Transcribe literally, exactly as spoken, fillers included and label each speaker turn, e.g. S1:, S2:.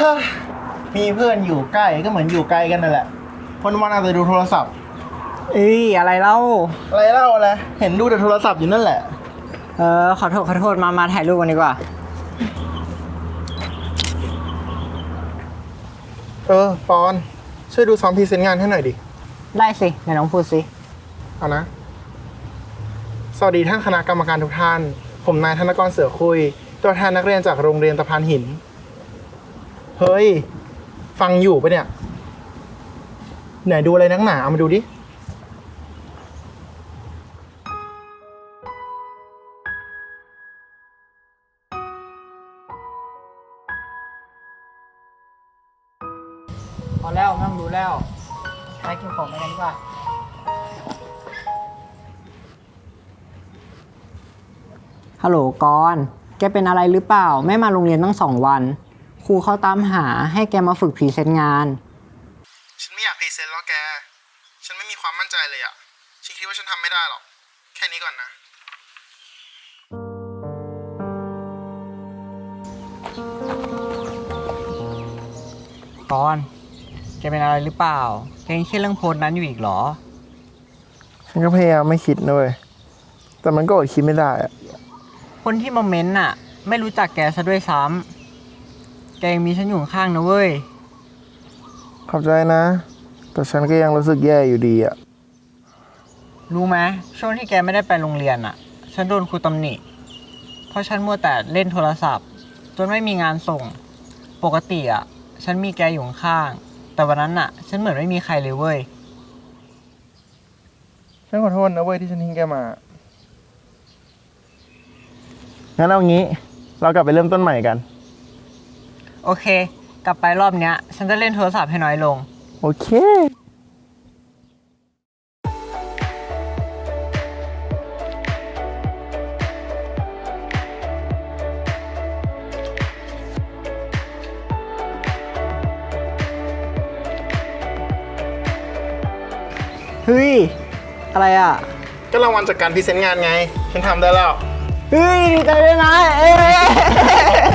S1: มีเพื่อนอยู่ใกล้ก็เหมือนอยู่ไกลกันนั่นแหละวันวันอาจจะดูโทรศัพท์
S2: เอ้ยอะไรเล่า
S1: อะไรเล่าอะไรเห็นดูแต่โทรศัพท์อยู่นั่นแหละ
S2: เออขอโทษขอโทษมามาถ่ายรูปกันดีกว่า
S1: เออปอนช่วยดูซ้อมพรีเซนต์งานให้หน่อยดิ
S2: ได้สิไหนน้องพูดสิ
S1: เอานะสวัสดีท่านคณะกรรมการทุกท่านผมนายธนกรเสือคุยตัวแทนนักเรียนจากโรงเรียนตะพานหินเฮ้ยฟังอยู่ปะเนี่ยไหนดูอะไรนักหนาเอามาดูดิ
S2: พอแล้วไม่ต้องดูแล้วไปกินของกันดีกว่าฮัลโหลกรณ์แกเป็นอะไรหรือเปล่าไม่มาโรงเรียนตั้งสองวันครูเขาตามหาให้แกมาฝึกพรีเซนต์งาน
S1: ฉันไม่อยากพรีเซนต์แล้วแกฉันไม่มีความมั่นใจเลยอะฉันคิดว่าฉันทำไม่ได้หรอกแค่นี้ก่อนนะ
S2: กรณ์แกเป็นอะไรหรือเปล่าแกยังคิดเรื่องโพสต์นั้นอยู่อีกเหรอ
S1: ฉันก็พยายามไม่คิดนะเว้ยแต่มันก็อดคิดไม่ได้อะ
S2: คนที่มาเม้นต์น่ะไม่รู้จักแกซะด้วยซ้ำแกยังมีฉันอยู่ข้างนะเว้ย
S1: ขอบใจนะแต่ฉันก็ยังรู้สึกแย่อยู่ดีอะ
S2: รู้ไหมช่วงที่แกไม่ได้ไปโรงเรียนอ่ะฉันโดนครูตำหนิเพราะฉันมัวแต่เล่นโทรศัพท์จนไม่มีงานส่งปกติอ่ะฉันมีแกอยู่ข้างแต่วันนั้นน่ะฉันเหมือนไม่มีใครเลยเว้ย
S1: ฉันขอโทษนะเว้ยที่ฉันทิ้งแกมางั้นเอางี้เรากลับไปเริ่มต้นใหม่กัน
S2: โอเคกลับไปรอบเนี้ยฉันจะเล่นโทรศัพท์ให้น้อยลง
S1: โอเค
S2: เฮ้ยอะไรอ่ะ
S1: ก็รางวัลจากการพรีเซนต์งานไงฉันทำได้แล้ว
S2: เฮ้ยดีใจด้วยนะเอ๊